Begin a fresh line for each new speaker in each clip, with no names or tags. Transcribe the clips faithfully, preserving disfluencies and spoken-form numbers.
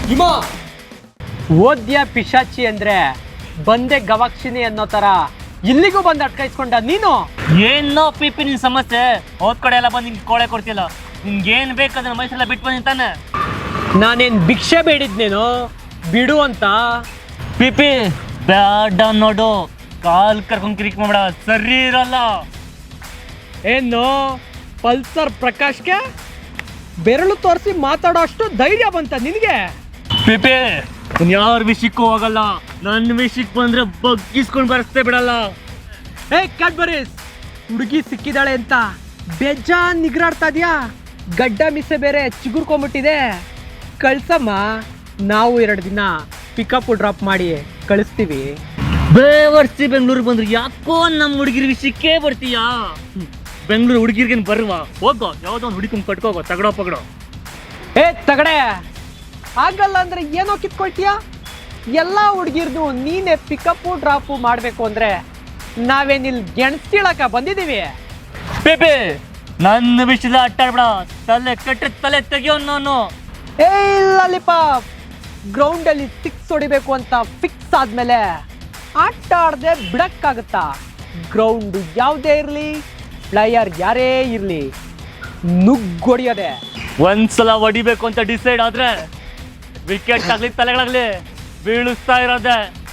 ಹಿಮ ಓದ್ಯ ಪಿಶಾಚಿ ಅಂದ್ರೆ ಬಂದೆ ಗವಾಕ್ಷಿನಿ ಅನ್ನೋ ತರ ಇಲ್ಲಿಗೂ ಬಂದು ಅಟ್ಕಾಯಿಸ್ಕೊಂಡ ನೀನು.
ಏನೋ ಪಿಪಿ ನಿನ್ ಸಮಸ್ಯೆ, ಹೋದ್ ಕಡೆ ಎಲ್ಲ ಬಂದು ನಿಂಗೆ ಕೋಳೆ ಕೊಡ್ತಿಲ್ಲ. ನಿನ್ಗೇನ್ ಬೇಕದನ್ನ ಮೈಸೆಲ್ಲ ಬಿಟ್ಟು ಬಂದಿದ್ದಾನೆ.
ನಾನೇನ್ ಭಿಕ್ಷೆ ಬೇಡಿದ್ನೇನು ಬಿಡು ಅಂತ.
ಪಿಪಿ ಬ್ಯಾಡ ನೋಡು, ಕಾಲ್ ಕರ್ಕೊಂಡ್ ಕಿರಿಕ್ ಮಾಡ್ಬೇಡ, ಸರಿ ಇರಲ್ಲ.
ಏನು ಪಲ್ಸರ್ ಪ್ರಕಾಶ್ಗೆ ಬೆರಳು ತೋರಿಸಿ ಮಾತಾಡೋ ಅಷ್ಟು ಧೈರ್ಯ ಬಂತ ನಿನಗೆ?
ಪಿಪಿ ಯಾರ ವಿಷಯಕ್ಕೂ ಹೋಗಲ್ಲ, ನನ್ನ ವಿಷಯಕ್ಕೆ ಬಂದ್ರೆ ಬಗ್ಗಿಸ್ಕೊಂಡು ಬರಸ್ತೇ ಬಿಡಲ್ಲ.
ಏ ಕ್ಯಾಡ್ಬರೀಸ್, ಹುಡುಗಿ ಸಿಕ್ಕಿದಾಳೆ ಅಂತ ಬೇಜಾನ್ ನಿಗ್ರಾಡ್ತಾ ಇದೀಯಾ? ಗಡ್ಡ ಮಿಸೆ ಬೇರೆ ಚಿಗುರ್ಕೊಂಬಿಟ್ಟಿದೆ. ಕಳ್ಸಮ್ಮ, ನಾವು ಎರಡು ದಿನ ಪಿಕಪ್ ಡ್ರಾಪ್ ಮಾಡಿ ಕಳಿಸ್ತೀವಿ.
ಬೇವರ್ಸಿ ಬೆಂಗಳೂರಿಗೆ ಬಂದ್ರೆ ಯಾಕೋ ನಮ್ಮ ಹುಡುಗಿರ ವಿಷಯಕ್ಕೆ ಬರ್ತೀಯಾ? ಬೆಂಗಳೂರು ಹುಡುಗಿರ್ಗೇನು ಬರುವ ಹೋಗೋ, ಯಾವುದೋ ಒಂದು ಹುಡುಗಿನ ಕಟ್ಕೋಗೋ, ತಗಡೋ ಪಗಡೋ.
ಏ ತಗಡೆ, ಆಗಲ್ಲ ಅಂದ್ರೆ ಏನೋ ಕಿತ್ಕೊಳ್ತೀಯ? ಎಲ್ಲ ಹುಡುಗಿರ್ದು ನೀನೇ ಪಿಕಪ್ಪು ಡ್ರಾಪು ಮಾಡಬೇಕು ಅಂದ್ರೆ ನಾವೇನಿಲ್ ಗೆಣಸ್ಕೀಳಕ ಬಂದಿದ್ದೀವಿ.
ಪೇಪೆ ನನ್ನ ವಿಷಯದ ಅಟ್ಟಾಡ್ಬೇಡ, ತಲೆ ಕೆಟ್ಟ ತಲೆ ತೆಗಿಯೋ ನಾನು.
ಏ ಲಾಲಿಪಾಪ್, ಗ್ರೌಂಡಲ್ಲಿ ಸಿಕ್ಸ್ ಹೊಡಿಬೇಕು ಅಂತ ಫಿಕ್ಸ್ ಆದ್ಮೇಲೆ ಆಟ ಆಡದೆ ಬಿಡಕ್ಕಾಗತ್ತಾ? ಗ್ರೌಂಡ್ ಯಾವುದೇ ಇರಲಿ, ಪ್ಲೇಯರ್ ಯಾರೇ ಇರಲಿ, ನುಗ್ಗೊಡಿಯೋದೆ.
ಒಂದ್ಸಲ ಹೊಡಿಬೇಕು ಅಂತ ಡಿಸೈಡ್ ಆದ್ರೆ ವಿಕೆಟ್ ಆಗ್ಲಿ ತಲೆಗಳಾಗ್ಲಿ ಬೀಳಿಸ್ತಾ ಇರೋದೆ.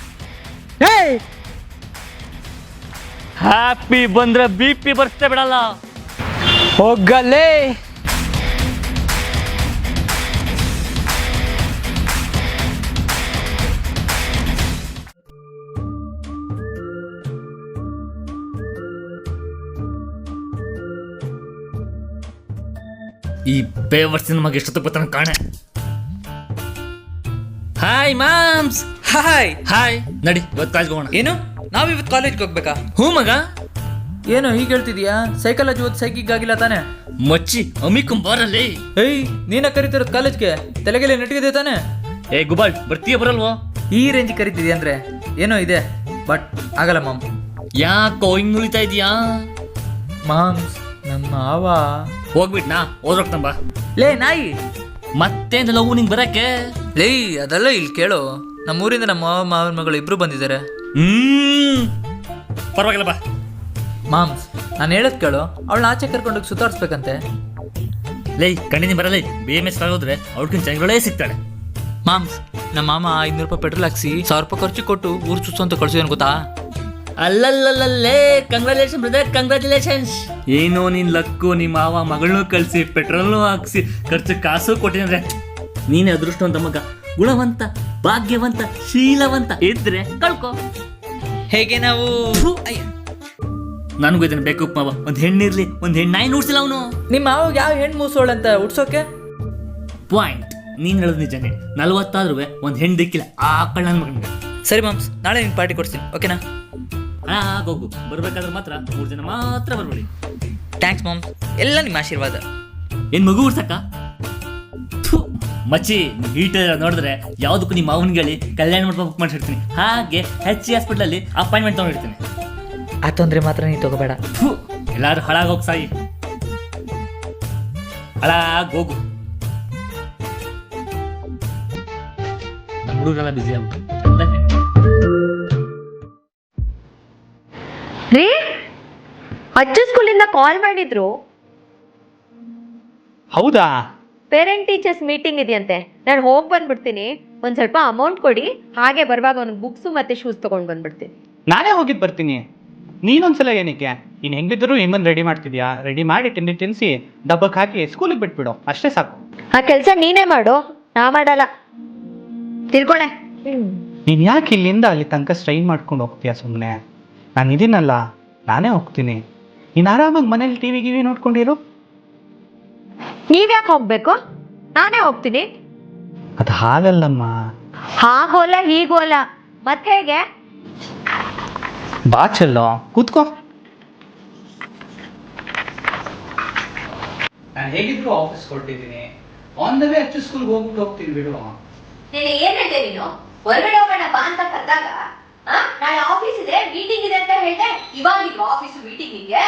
ಹ್ಯಾಪಿ ಬಂದ್ರೆ ಬಿ ಪಿ ಬರ್ಸ್ತೇ ಬಿಡಲ್ಲ.
ಹೋಗಲೇ.
ಈ ಬೇವರ್ಸಿನ ಮಗ ಎಷ್ಟೊತ್ತು ಬರ್ತಾನೆ ಕಾಣೆ. Hi moms.
ಹಾಯ್
ಹಾಯ್, ನಡಿ ಇವತ್ತು ಕಾಲೇಜ್ಗೆ ಹೋಗೋಣ.
ಏನು, ನಾವ್ ಇವತ್ತು ಕಾಲೇಜ್ಗೆ ಹೋಗ್ಬೇಕಾ?
ಹ್ಞೂ ಮಗ.
ಏನು ಹೀಗೆ ಹೇಳ್ತಿದ್ಯಾ? ಸೈಕಾಲಜಿ ಓದ್ ಸೈಕಿಗ್ ಆಗಿಲ್ಲ ತಾನೆ?
ಮಚ್ಚಿ ಅಮಿಕಂ ಬಾರಲ್ಲಿ.
ಏಯ್, ನೀನ ಕರಿತಿರೋದು ಕಾಲೇಜ್ಗೆ? ತಲೆಗೆಲೆ ನೆಟ್ಟಿಗಿದೆ ತಾನೆ?
ಏ ಗುಬಾಲ್, ಬರ್ತೀಯ ಬರಲ್ವೋ?
ಈ ರೇಂಜ್ ಕರಿತಿದ್ಯಾ ಅಂದ್ರೆ ಏನೋ ಇದೆ, ಬಟ್ ಆಗಲ್ಲ ಮಾಮ್.
ಯಾಕೋ ಹಿಂಗ್ ನುಳಿತಾ ಇದೀಯಾ?
ಮಾಮ್ಸ್, ನಮ್ಮ ಮಾವ
ಹೋಗ್ಬಿಟ್ನಾ? ಓದ್ರಕ್ತಂಬ.
ಲೇ ನಾಯಿ,
ಮತ್ತೇನು ಲವ್ ನಿಂಗೆ ಬರಕ್ಕೆ?
ಲೇ ಅದೆಲ್ಲ ಇಲ್ಲಿ ಕೇಳು. ನಮ್ಮೂರಿಂದ ನಮ್ಮ ಮಾವ ಮಾವನ ಮಗಳು ಇಬ್ರು ಬಂದಿದ್ದಾರೆ.
ಹ್ಮ್ ಪರವಾಗಿಲ್ಲ ಬಾ.
ಮಾಮ್ಸ್, ನಾನು ಹೇಳದ್ ಕೇಳು, ಅವಳನ್ನ ಆಚೆ ಕರ್ಕೊಂಡೋಗಿ ಸುತ್ತಾಡ್ಸ್ಬೇಕಂತೆ.
ಲೈ ಕಣ್ಣಿನ ಬರಲೈ, ಬಿ ಎಮ್ ಎಸ್ ಹೋದ್ರೆ ಅವ್ಳಿಗಿಂತ ಚೆನ್ನಾಗಿ ಸಿಗ್ತಾಳೆ.
ಮಾಮ್ಸ್, ನಮ್ಮ ಮಾಮ ಐನೂರು ರೂಪಾಯಿ ಪೆಟ್ರೋಲ್ ಹಾಕ್ಸಿ ಸಾವಿರ ರೂಪಾಯಿ ಖರ್ಚು ಕೊಟ್ಟು ಊರು ಸುತ್ತು ಅಂತ ಕಳ್ಸಿದನು ಗೊತ್ತಾ?
ಅಲ್ಲಲ್ಲಲ್ಲೇ, ಕಂಗ್ರಾಚುಲೇಷನ್ ಬ್ರದರ್, ಕಂಗ್ರಾಚುಲೇಷನ್ಸ್. ಏನೋ ನಿನ್ ಲಕ್ಕು, ನಿಮ್ಮ ಮಾವ ಮಗಳನ್ನೂ ಕಳಿಸಿ ಪೆಟ್ರೋಲ್ನೂ ಹಾಕ್ಸಿ ಖರ್ಚು ಕಾಸು ಕೊಟ್ಟಿದ್ರೆ ನೀನೇ ಅದೃಷ್ಟವಂತ ಮಗ. ಗುಣವಂತ, ಭಾಗ್ಯವಂತ, ಶೀಲವಂತ ಇದ್ರೆ ಕಳ್ಕೊ.
ಹೇಗೆ ನಾವು
ನನಗೂ ಇದನ್ನ ಬೇಕು ಮಾವ. ಒಂದ್ ಹೆಣ್ಣಿರ್ಲಿ, ಒಂದ್ ಹೆಣ್ಣು ನಾಯಿ ನೋಡ್ಸಿಲ್ಲ ಅವನು.
ನಿಮ್ಮ ಮಾವಾಗ ಯಾವ ಹೆಣ್ಣು ಮೂಸೋಳಂತ ಉಡ್ಸೋಕೆ?
ಪಾಯಿಂಟ್, ನೀನ್ ಹೇಳೋದು ನಿಜನೇ. ನಲ್ವತ್ತಾದ್ರೂ ಒಂದ್ ಹೆಣ್ಣು ದಿಕ್ಕಿಲ್ಲ ಆ ಕಳ್ಳ ನನ್ನ ಮಗನಿಗೆ.
ಸರಿ ಮಾಮ್ಸ್, ನಾಳೆ ನಿಮ್ಗೆ ಪಾರ್ಟಿ ಕೊಡ್ತೀನಿ, ಓಕೆನಾ?
ಹೋಗು, ಬರ್ಬೇಕಾದ್ರೆ ಮಾತ್ರ ಮೂರು ಜನ ಮಾತ್ರ ಬರ್ಬೇಡಿ.
ಥ್ಯಾಂಕ್ಸ್ ಮಾಮ್ಸ್, ಎಲ್ಲ ನಿಮ್ಮ ಆಶೀರ್ವಾದ.
ಏನ್ ಮಗು ಉಡ್ಸಕ್ಕ? ಮಚ್ಚಿ, ಹೀಟರ್ ನೋಡಿದ್ರೆ ಯಾವ್ದಕ್ಕೂ ನಿಮ್ಮ ಮಾವನ್ಗೆ ಹೇಳಿ ಕಲ್ಯಾಣ ಮಂಟಪ ಬುಕ್ ಮಾಡಿರ್ತೀನಿ. ಹಾಗೆ ಹೆಚ್ ಸಿ ಹಾಸ್ಪಿಟಲ್ ಅಪಾಯಿಂಟ್ಮೆಂಟ್ ತಗೊಂಡಿರ್ತೀನಿ.
ಆ ತೊಂದರೆ ಮಾತ್ರ ನೀ ತಗೋಬೇಡ.
ಎಲ್ಲಾರು ಹಾಳಾಗೋಗ್ ಸಾಯಿ, ಹಾಳಾಗ್ ಹೋಗು. ನಮ್ಮ ಹುಡುಗರೆಲ್ಲ ಬಿಸಿ ಆಗ್ಬಿಟ್ಟು
ರೀ, ಅಜ್ಜ ಸ್ಕೂಲಿಂದ ಕಾಲ್ ಮಾಡಿದ್ರು.
ಹೌದಾ?
ಪೇರೆಂಟ್ ಟೀಚರ್ಸ್ ಮೀಟಿಂಗ್ ಇದೆಯಂತೆ. ನಾನು ಹೋಗಿ ಬಂದ್ಬಿಡ್ತೀನಿ. ಒಂದು ಸ್ವಲ್ಪ ಅಮೌಂಟ್ ಕೊಡಿ, ಹಾಗೆ ಬರುವಾಗ ಒಂದು ಬುಕ್ಸು ಮತ್ತು ಶೂಸ್ ತೊಗೊಂಡು ಬಂದ್ಬಿಡ್ತೀನಿ.
ನಾನೇ ಹೋಗಿದ್ದು ಬರ್ತೀನಿ. ನೀನೊಂದ್ಸಲ ಏನಕ್ಕೆ? ನೀನು ಹೆಂಗಿದ್ರು ಹೆಂಗನ್ ರೆಡಿ ಮಾಡ್ತಿದ್ಯಾ? ರೆಡಿ ಮಾಡಿ ತಿಂಡಿ ತಿನ್ನಿಸಿ ಡಬ್ಬಕ್ಕೆ ಹಾಕಿ ಸ್ಕೂಲಿಗೆ ಬಿಟ್ಬಿಡು, ಅಷ್ಟೇ ಸಾಕು.
ಆ ಕೆಲಸ ನೀನೇ ಮಾಡು, ನಾ ಮಾಡಲ್ಲ. ತಿಳ್ಕೊಳೆ.
ನೀನು ಯಾಕೆ ಇಲ್ಲಿಂದ ಅಲ್ಲಿ ತನಕ ಸ್ಟ್ರೈನ್ ಮಾಡ್ಕೊಂಡು ಹೋಗ್ತೀಯಾ? ಸುಮ್ಮನೆ ನಾನು ಇದೀನಲ್ಲ, ನಾನೇ ಹೋಗ್ತೀನಿ. ನೀನು ಆರಾಮಾಗಿ ಮನೇಲಿ ಟಿ ವಿ ಗಿವಿ ನೋಡ್ಕೊಂಡಿರು.
ನೀವ್ಯಾಕೆ ಹೋಗ್ಬೇಕು? ನಾನೇ ಹೋಗ್ತೀನಿ.
ಅದು ಹಾಗಲ್ಲಮ್ಮ.
ಹಾಗೋಲ್ಲ ಹೀಗೋಲ್ಲ, ಮತ್ತೆ ಹೇಗೆ?
ಬಾ ಚೆಲ್ಲೋ, ಕೂತ್ಕೋ. ನಾನು ಹೇಗಿದ್ರು ಆಫೀಸ್ ಕೊಟ್ಟಿದ್ದೀನಿ. ಆನ್ ದ ವೇ ಅಚ್ಚು ಸ್ಕೂಲ್ಗೆ ಹೋಗ್ಬಿಟ್ಟು ಹೋಗ್ತೀನಿ ಬಿಡು.
ನೀನು ಏನ್ ಹೇಳ್ದೆ? ನೀನು ಹೊರಗಡೆ ಹೋಗೋಣ ಬಾ ಅಂತ ಕರೆದಾಗ ನಾಳೆ ಆಫೀಸ್ ಇದೆ, ಮೀಟಿಂಗ್ ಇದೆ ಅಂತ ಹೇಳ್ದೆ. ಇವಾಗಿದ್ರು ಆಫೀಸ್ ಮೀಟಿಂಗ್ ಇದೆಯಾ?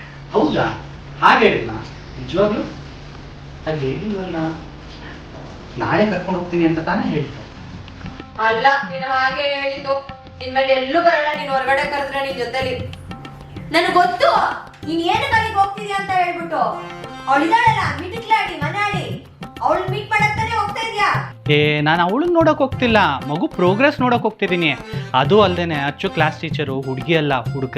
ಹೌದಾ? ಹಾಗೆ ಹೇಳಿಲ್ಲ ನಿಜವಾಗ್ಲು? ಅಲ್ಲಿ ಹೇಳಿಲ್ವಲ್ಲ. ನಾಳೆ ಕರ್ಕೊಂಡು ಹೋಗ್ತೀನಿ ಅಂತ ತಾನೇ ಹೇಳ್ತು.
ಅಲ್ಲ ನೀನು ಹಾಗೆ ಹೇಳಿದ್ದು. ಇನ್ಮೇಲೆ ಎಲ್ಲೂ ಬರಲ್ಲ ನೀನು ಹೊರಗಡೆ ಕರೆದ್ರೆ ನಿನ್ ಜೊತೆಲಿ. ನನಗೆ ಗೊತ್ತು ನೀನ್ ಏನು ಕಲಿಗೆ ಹೋಗ್ತಿದ್ಯಾ ಅಂತ ಹೇಳ್ಬಿಟ್ಟು. ಅವಳಿದಾಳಲ್ಲ ಮಿಟಿಕ್ಲಾಡಿ ಮನಾಡಿ, ಅವಳು ಮೀಟ್ ಮಾಡಕ್ ತಾನೇ ಹೋಗ್ತಾ ಇದ್ಯಾ?
ಏ ನಾನು ಅವಳನ್ನ ನೋಡಕ್ ಹೋಗ್ತಿಲ್ಲ, ಮಗು ಪ್ರೋಗ್ರೆಸ್ ನೋಡಕ್ ಹೋಗ್ತಿದ್ದೀನಿ. ಅದು ಅಲ್ದೇನೆ ಅಚ್ಚು ಕ್ಲಾಸ್ ಟೀಚರು ಹುಡುಗಿ ಅಲ್ಲ ಹುಡುಗ.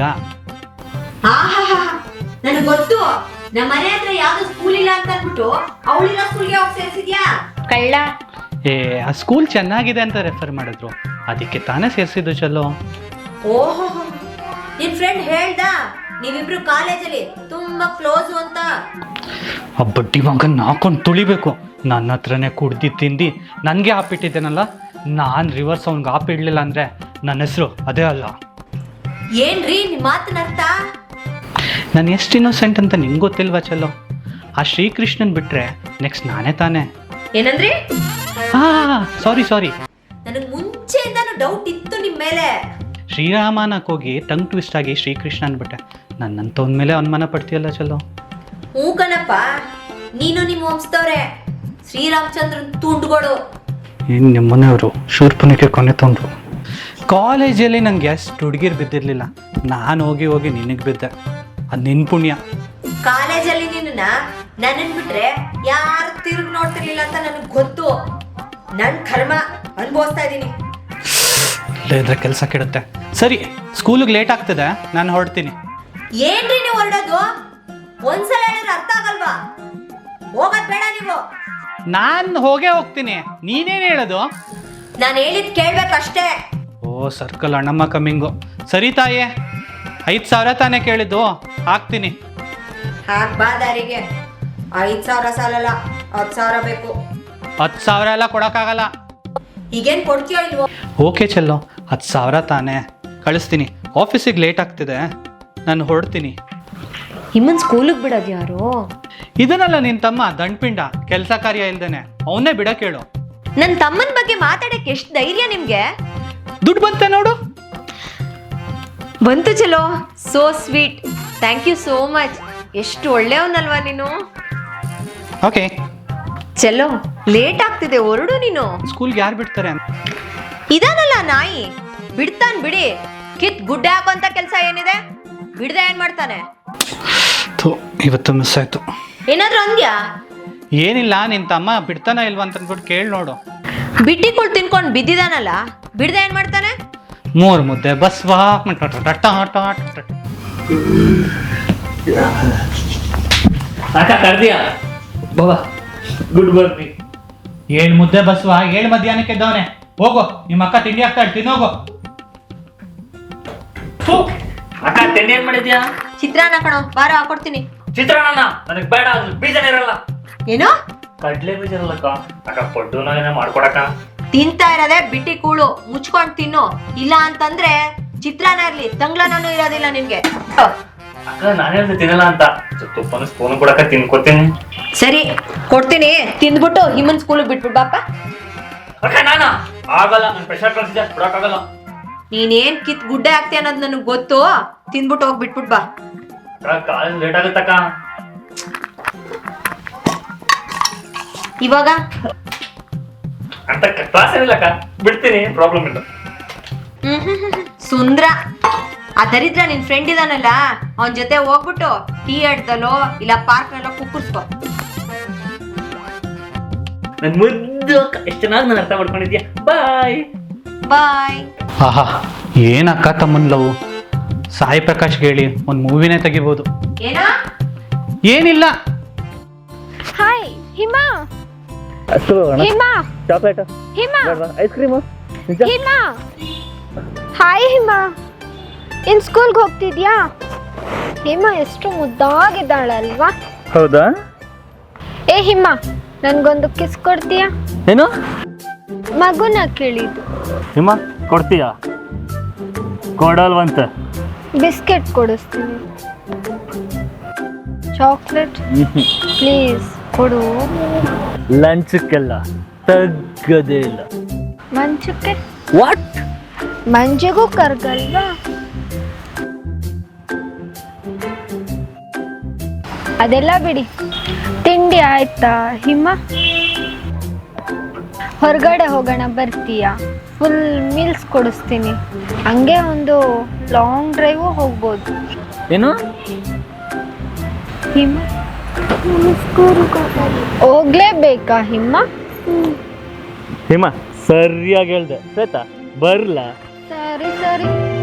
ಆಹಾ ನನಗೆ ಗೊತ್ತು, ನಮ್ಮ ಮನೆ ಹತ್ರ ಯಾವ್ದು ಸ್ಕೂಲ್ ಇಲ್ಲ ಅಂತ ಅಂದ್ಬಿಟ್ಟು ಅವಳಿರೋ ಸ್ಕೂಲ್ಗೆ ಹೋಗಿ ಸೇರಿಸಿದ್ಯಾ ಕಳ್ಳ.
ಏ ಆ ಸ್ಕೂಲ್ ಚೆನ್ನಾಗಿದೆ ಅಂತ ರೆಫರ್ ಮಾಡಿದ್ರು, ಅದಕ್ಕೆ ತಾನೇ ಸೇರಿಸಿದ್ದು ಚಲೋ.
ಓಹೋ, ನಿನ್ ಫ್ರೆಂಡ್ ಹೇಳ್ದ ನೀವಿಬ್ರು ಕಾಲೇಜಲ್ಲಿ ತುಂಬಾ ಕ್ಲೋಸ್ ಅಂತ.
ಆ ಬಡ್ಡಿ ಮಗನ್ ಹಾಕೊಂಡು ತುಳಿಬೇಕು. ನನ್ನ ಹತ್ರನೇ ಕುಡ್ದಿ ತಿಂದು ನನಗೆ ಹಾಪಿಟ್ಟಿದ್ದೇನಲ್ಲ, ನಾನು ರಿವರ್ಸ್ ಅವ್ನಿಗೆ ಹಾಪಿಡ್ಲಿಲ್ಲ ಅಂದರೆ ನನ್ನ ಹೆಸರು ಅದೇ ಅಲ್ಲ.
ಏನ್ರಿ ನಿಮ್ ಮಾತಿನ ಅರ್ಥ?
ನಾನು ಎಷ್ಟು ಇನ್ನೋಸೆಂಟ್ ಅಂತ ನಿಂಗೆ ಗೊತ್ತಿಲ್ವಾ ಚಲೋ? ಆ ಶ್ರೀಕೃಷ್ಣನ್ ಬಿಟ್ರೆ ನೆಕ್ಸ್ಟ್ ನಾನೇ ತಾನೇ.
ಏನಂದ್ರಿ?
ಹಾ ಸಾರಿ ಸಾರಿ,
ನನಗೆ ಮುಂಚೆಯಿಂದಾನು ಡೌಟ್ ಇತ್ತು ನಿಮ್ ಮೇಲೆ.
ಶ್ರೀರಾಮನಕ್ಕೆ ಹೋಗಿ ಟಂಗ್ ಟ್ವಿಸ್ಟ್ ಆಗಿ ಶ್ರೀಕೃಷ್ಣ ಅಂದ್ಬಿಟ್ಟೆ. ನನ್ನಂತವನ ಮೇಲೆ ಅನುಮಾನ ಪಡ್ತೀಯಲ್ಲ ಚಲೋ.
ಹ್ಞೂ ಕಣಪ್ಪ, ನೀನು ನಿಮ್ಮ ವಂಶದವ್ರೆ, ಶ್ರೀರಾಮಚಂದ್ರನ್ ತುಂಡುಗಳು.
ಇನ್ನು ನಿಮ್ಮ ಮನೆಯವರು ಶೂರ್ಪನಿಗೆ ಕೊನೆ ತಂದರು. ಕಾಲೇಜಲ್ಲಿ ನಂಗೆ ಎಷ್ಟು ಹುಡುಗಿರು ಬಿದ್ದಿರಲಿಲ್ಲ, ನಾನು ಹೋಗಿ ಹೋಗಿ ನಿನಗೆ ಬಿದ್ದೆ. ಅದು ನಿನ್ನ ಪುಣ್ಯ.
ಕಾಲೇಜಲ್ಲಿ ನಿನ್ನ ನನ್ನನ್ ಬಿಟ್ರೆ ಯಾರು ತಿರುಗಿ ನೋಡ್ತಿರ್ಲಿಲ್ಲ ಅಂತ ನನಗೆ ಗೊತ್ತು. ನನ್ ಕರ್ಮ ಅನುಭವಿಸ್ತಾ ಇದ್ದೀನಿ.
ಇಲ್ಲದ್ರೆ ಕೆಲಸ ಕೆಡುತ್ತೆ. ಸರಿ, ಸ್ಕೂಲಿಗೆ ಲೇಟ್ ಆಗ್ತದೆ, ನಾನು ಹೊರಡ್ತೀನಿ.
ಏನ್ರಿ ನೀವು ಹೊರಡೋದು? ಒಂದ್ಸಲ ಹೇಳಿದ್ರೆ ಅರ್ಥ ಆಗಲ್ವಾ? ಹೋಗೋದ್ ಬೇಡ ನೀವು.
ನಾನು ಹೋಗೇ ಹೋಗ್ತೀನಿ, ನೀನೇನು ಹೇಳೋದು?
ನಾನು ಹೇಳಿದ್ ಕೇಳ್ಬೇಕಷ್ಟೇ.
ಓ ಸರ್ಕಲ್ ಅಣ್ಣಮ್ಮ ಕಮ್ಮಿಂಗು. ಸರಿ ತಾಯೇ, ಐದು ಸಾವಿರ ತಾನೇ ಕೇಳಿದ್ದು, ಹಾಕ್ತೀನಿ.
ಹಾಕ್ ಬಾ ದಾರಿಗೆ. ಐದ್ ಸಾವಿರ ಸಾಲಲ್ಲ, ಹತ್ತು ಸಾವಿರ ಬೇಕು.
ಹತ್ತು ಸಾವಿರ ಎಲ್ಲ ಕೊಡೋಕ್ಕಾಗಲ್ಲ.
ಈಗೇನ್ ಕೊಡ್ತೀಯೋ ಇಲ್ವೋ?
ಓಕೆ ಚಲೋ, ಹತ್ತು ಸಾವಿರ ತಾನೇ ಕಳಿಸ್ತೀನಿ. ಆಫೀಸಿಗೆ ಲೇಟ್ ಆಗ್ತಿದೆ, ನಾನು ಹೊರಡ್ತೀನಿ.
ನಿಮ್ಮನ್ ಸ್ಕೂಲಿಗೆ ಬಿಡೋದು ಯಾರು?
ಇದನ್ನಲ್ಲ ನಿನ್ನ ತಮ್ಮ ದಂಡ್ಪಿಂಡ, ಕೆಲಸ ಕಾರ್ಯ ಇಲ್ದೇನೆ, ಅವನ್ನೇ ಬಿಡಕ್ಕೆ ಹೇಳು.
ನನ್ನ ತಮ್ಮನ ಬಗ್ಗೆ ಮಾತಾಡಕ್ಕೆ ಎಷ್ಟು ಧೈರ್ಯ ನಿಮ್ಗೆ?
ದುಡ್ಡು ಬಂತೆ ನೋಡು.
ಬಂತು ಚಲೋ, so sweet, thank you so much. ಎಷ್ಟು ಒಳ್ಳೆಯವನಲ್ವಾ ನೀನು.
ಓಕೆ
ಚಲೋ, ಲೇಟ್ ಆಗ್ತಿದೆ, ಹೊರಡು ನೀನು.
ಸ್ಕೂಲ್ಗೆ ಯಾರು ಬಿಡ್ತಾರೆ?
ಇದಾನಲ್ಲ ನಾಯಿ, ಬಿಡ್ತಾನ್ ಬಿಡಿ. ಕಿತ್ ಗುಡ್ಡೆ ಹಾಕೋಂತ ಕೆಲಸ ಏನಿದೆ? ಬಿಡ್ದೆ ಏನ್ ಮಾಡ್ತಾನೆ?
ಥು, ಇವತ್ತು ಮಿಸ್ ಆಯ್ತು.
ಏನಾದ್ರೂ ಅಂದ್ಯಾ?
ಏನಿಲ್ಲ, ನಿನ್ನ ತಮ್ಮ ಬಿಡ್ತಾನ ಇಲ್ವಾ ಅಂತ ಅಂದ್ಬಿಟ್ಟು ಕೇಳಿ ನೋಡು.
ಬಿಟ್ಟಿಗಳು ತಿನ್ಕೊಂಡು ಬಿದ್ದಿದಾನಲ್ಲ, ಬಿಡ್ದೆ ಏನ್ ಮಾಡ್ತಾನೆ?
ಮೂರು ಮುದ್ದೆ ಬಸ್ವಾ.
ಅಕ್ಕ ಕರ್ದಿಯಾ ಬಾಬಾ? ಗುಡ್ ಬರ್ನಿ.
ಏಳು ಮುದ್ದೆ ಬಸ್ವಾ, ಏಳು ಮಧ್ಯಾಹ್ನಕ್ಕೆ ಇದ್ದವನೆ. ಹೋಗೋ, ನಿಮ್ಮ ಅಕ್ಕ ತಿಂಡಿ ಹಾಕ್ತಾಳೆ, ತಿನ್ನೋಗೋ.
ಅಕ್ಕ ತಿಂಡಿ ಏನ್ ಮಾಡಿದ್ಯಾ?
ಚಿತ್ರಾನ್ನ ಕಣೋ, ಬಾರ ಹಾಕೊಡ್ತೀನಿ.
ಚಿತ್ರಾನ್ನ ನನಗೆ ಬೇಡ, ಅದ್ರ ಬೀಜನೇ ಇರಲ್ಲ.
ಏನು?
ಕಡ್ಲೆ ಬೀಜ ಇರಲ್ಲಕ್ಕ. ಅಕ್ಕ ಪಡ್ಡು ನಾನೇನ ಮಾಡ್ಕೊಡಕ್ಕ.
ತಿಂತಾ ಇರೋದೇ ಬಿಟ್ಟಿ ಕೂಳು, ಮುಚ್ಕೊಂಡ್ ತಿನ್ನು. ಇಲ್ಲ ಅಂತಂದ್ರೆ ಚಿತ್ರಾನ್ನ ಇರ್ಲಿ, ತಂಗ್ಳನೂ ಇರೋದಿಲ್ಲ ನಿನ್ಗೆ.
ಅಕ್ಕ ನಾನೇ ತಿನ್ನಲ್ಲ ಅಂತ, ತುಪ್ಪನ ಸ್ಪೂನ್ ಕೊಡಕ್ಕ ತಿನ್ಕೋತೀನಿ.
ಸರಿ ಕೊಡ್ತೀನಿ, ತಿಂದ್ಬಿಟ್ಟು ಹಿಮನ್ ಸ್ಕೂಲಿಗೆ ಬಿಟ್ಬಿಟ್ಟು ಬಾಪ.
ಅಕ್ಕ ನಾನ ಆಗಲ್ಲ, ನನ್ ಪ್ರೆಷರ್ ಕಳ್ಸಿದ್ದೆ, ಬಿಡಕ್ಕಾಗಲ್ಲ.
ನೀನೇನ್ ಕಿತ್ ಗುಡ್ಡೆ ಆಗ್ತೀಯ ಅನ್ನೋದು ನನಗೆ ಗೊತ್ತು. ತಿಂದ್ಬಿಟ್ಟು ಹೋಗಿ ಬಿಟ್ಬಿಟ್ ಬಾ.
ಕಾಲೇಜ್ ಲೇಟ್ ಆಗುತ್ತಕ್ಕ.
ಇವಾಗ
ಅಂತ ಕ್ಲಾಸ್ ಏನಿಲ್ಲಕ್ಕ, ಬಿಡ್ತೀನಿ, ಪ್ರಾಬ್ಲಮ್ ಇಲ್ಲ.
ಹ್ಮ್ ಹ್ಮ್ ಹ್ಮ್ ಸುಂದ್ರ, ಆ ದರಿದ್ರ ನಿನ್ ಫ್ರೆಂಡ್ ಇದಾನಲ್ಲ, ಅವನ್ ಜೊತೆ ಹೋಗ್ಬಿಟ್ಟು ಟೀ ಅಡ್ದಲ್ಲೋ ಇಲ್ಲ ಪಾರ್ಕ್ ನಲ್ಲೋ ಕುಕ್ಕರ್ಸ್ಕೋ.
ನನ್ ಮುದ್ದು ಅಕ್ಕ, ಎಷ್ಟು ಚೆನ್ನಾಗಿ ನಾನು ಅರ್ಥ ಮಾಡ್ಕೊಂಡಿದ್ಯಾ. ಬಾಯ್
ಬಾಯ್.
ಆಹಾ, ಏನ್ ಅಕ್ಕ ತಮ್ಮನ್ ಲವ್. ಸಾಯಿ ಪ್ರಕಾಶ್ ಹೇಳಿ ಒಂದು ಮೂವಿನೇ ತೆಗಿಬೋದು.
ಏನಾ?
ಏನಿಲ್ಲ.
Hi Hima. Hima
chocolate,
Hima
ice cream.
Hima hi Hima, ಇನ್ ಸ್ಕೂಲ್ಗೆ ಹೋಗ್ತಿದ್ಯಾ? ಹಿಮಾ ಎಷ್ಟು ಮುದ್ದಾಗಿದ್ದಾಳಲ್ವಾ?
ಹೌದಾ?
ಏ ಹಿಮಾ, ನನ್ಗೊಂದು ಕಿಸ್ ಕೊಡ್ತೀಯಾ?
ಏನು?
ಮಗುನ ಕೇಳಿದ್ದು.
ಹಿಮ ಕೊಡ್ತೀಯಾ? ಕೊಡಲ್ವಂತ.
ಬಿಸ್ಕೆಟ್ ಕೊಡಿಸ್ತೀನಿ. ಚಾಕ್ಲೇಟ್ ಪ್ಲೀಸ್ ಕೊಡು.
ಲಂಚಕ್ಕೆಲ್ಲ ತಗ್ಗದೇ ಇಲ್ಲ.
ಮಂಚಕ್ಕೆ
ವಾಟ್?
ಮಂಜಿಗೂ ಕರ್ಗಲ್ವಾ? ಅದೆಲ್ಲ ಬಿಡಿ, ತಿಂಡಿ ಆಯ್ತಾ ಹಿಮ? ಹೊರಗಡೆ ಹೋಗೋಣ ಬರ್ತೀಯಾ? ಫುಲ್ ಮೀಲ್ಸ್ ಕೊಡಿಸ್ತೀನಿ. ಹಂಗೆ ಒಂದು ಲಾಂಗ್ ಡ್ರೈವು ಹೋಗ್ಬೋದು.
ಏನು
ಹಿಮ ಹೋಗ್ಲೇಬೇಕಾ ಹಿಮ?
ಹೇಮ ಸರಿಯಾಗಿ ಹೇಳ್ದೆ ಶ್ವೇತಾ ಬರ್ಲಾ?
ಸರಿ ಸರಿ